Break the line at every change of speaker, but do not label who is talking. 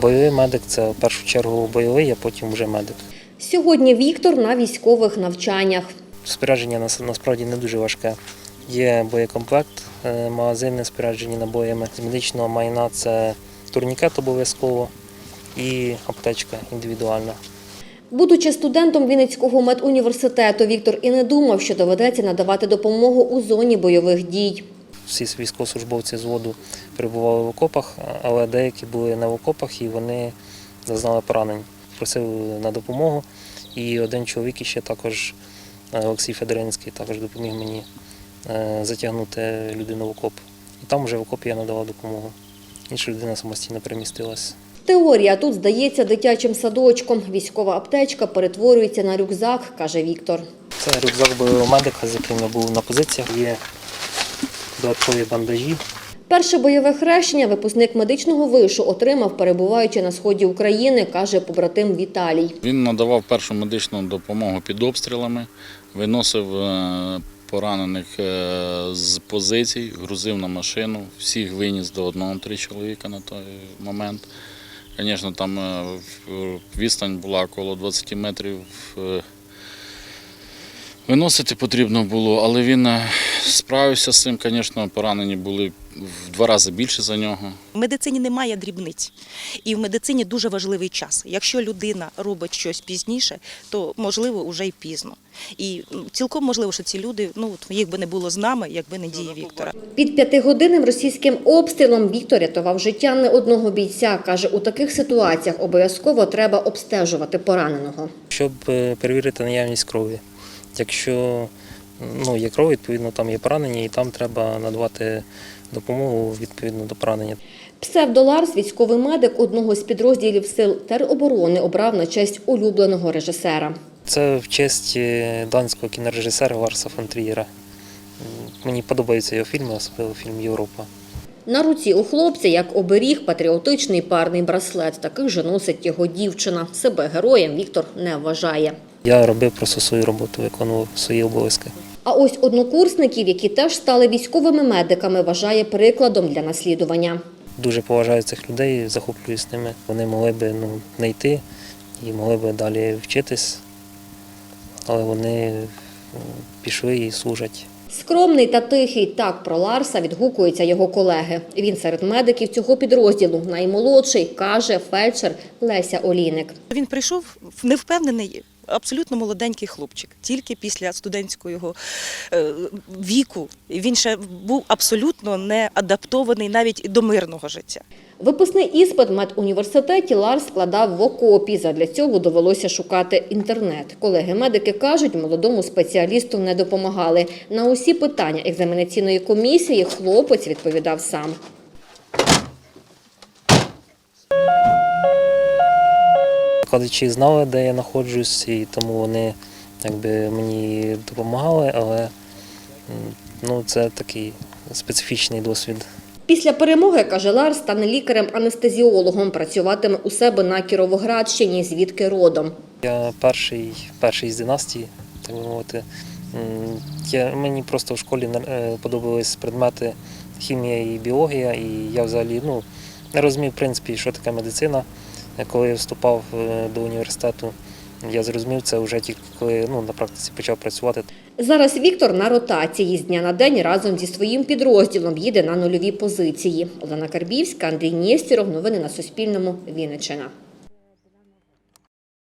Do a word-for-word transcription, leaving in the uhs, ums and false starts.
Бойовий медик – це в першу чергу бойовий, а потім вже медик.
Сьогодні Віктор на військових навчаннях.
Спорядження насправді не дуже важке. Є боєкомплект, магазини споряджені набоями. З медичного майна – це турнікет обов'язково і аптечка індивідуальна.
Будучи студентом Вінницького медуніверситету, Віктор і не думав, що доведеться надавати допомогу у зоні бойових дій.
Всі військовослужбовці зводу перебували в окопах, але деякі були не в окопах і вони зазнали поранень. Просив на допомогу. І один чоловік ще також, Олексій Федоринський, також допоміг мені затягнути людину в окоп. І там вже в окопі я надавав допомогу. Інша людина самостійно перемістилася.
Теорія тут здається дитячим садочком. Військова аптечка перетворюється на рюкзак, каже Віктор.
Це рюкзак бойового медика, з яким я був на позиціях. Є додаткові бандажі.
Перше бойове хрещення випускник медичного вишу отримав, перебуваючи на сході України, каже побратим Віталій.
Він надавав першу медичну допомогу під обстрілами, виносив поранених з позицій, грузив на машину, всіх виніс до одного, три чоловіка на той момент. Звісно, там відстань була коло двадцяти метрів. Виносити потрібно було, але він справився з цим, звісно, поранені були в два рази більше за нього.
В медицині немає дрібниць, і в медицині дуже важливий час. Якщо людина робить щось пізніше, то, можливо, вже й пізно. І цілком можливо, що ці люди, ну, їх би не було з нами, якби не дії Віктора.
Під п'ятигодинним російським обстрілом Віктор рятував життя не одного бійця. Каже, у таких ситуаціях обов'язково треба обстежувати пораненого.
Щоб перевірити наявність крові. Якщо ну, є кров, відповідно, там є поранення, і там треба надавати допомогу відповідно до поранення.
Псевдо-Ларс, військовий медик одного з підрозділів сил тероборони, обрав на честь улюбленого режисера.
Це в честь данського кінорежисера Ларса фон Трієра. Мені подобаються його фільми, особливо фільм «Європа».
На руці у хлопця, як оберіг, патріотичний парний браслет. Таких же носить його дівчина. Себе героєм Віктор не вважає.
Я робив просто свою роботу, виконував свої обов'язки.
А ось однокурсників, які теж стали військовими медиками, вважає прикладом для наслідування.
Дуже поважаю цих людей, захоплююсь ними. Вони могли б ну, не йти і могли б далі вчитись, але вони пішли і служать.
Скромний та тихий, так про Ларса відгукуються його колеги. Він серед медиків цього підрозділу наймолодший, каже фельдшер Леся Олійник.
Він прийшов невпевнений, абсолютно молоденький хлопчик. Тільки після студентського його віку він ще був абсолютно не адаптований навіть до мирного життя.
Випускний іспит в медуніверситеті Ларс складав в окопі. Задля цього довелося шукати інтернет. Колеги-медики кажуть, молодому спеціалісту не допомагали. На усі питання екзаменаційної комісії хлопець відповідав сам.
Викладачі знали, де я знаходжусь, і тому вони якби, мені допомагали, але ну, це такий специфічний досвід.
Після перемоги, каже Ларс, стане лікарем-анестезіологом, працюватиме у себе на Кіровоградщині, звідки родом.
Я перший, перший з династії, так би мовити. Я, мені просто в школі подобались предмети хімія і біологія, і я взагалі ну, не розумів, в принципі, що таке медицина. Коли я вступав до університету, я зрозумів це вже тільки коли ну, на практиці почав працювати.
Зараз Віктор на ротації. З дня на день разом зі своїм підрозділом їде на нульові позиції. Олена Карбівська, Андрій Нєстєров. Новини на Суспільному. Вінниччина.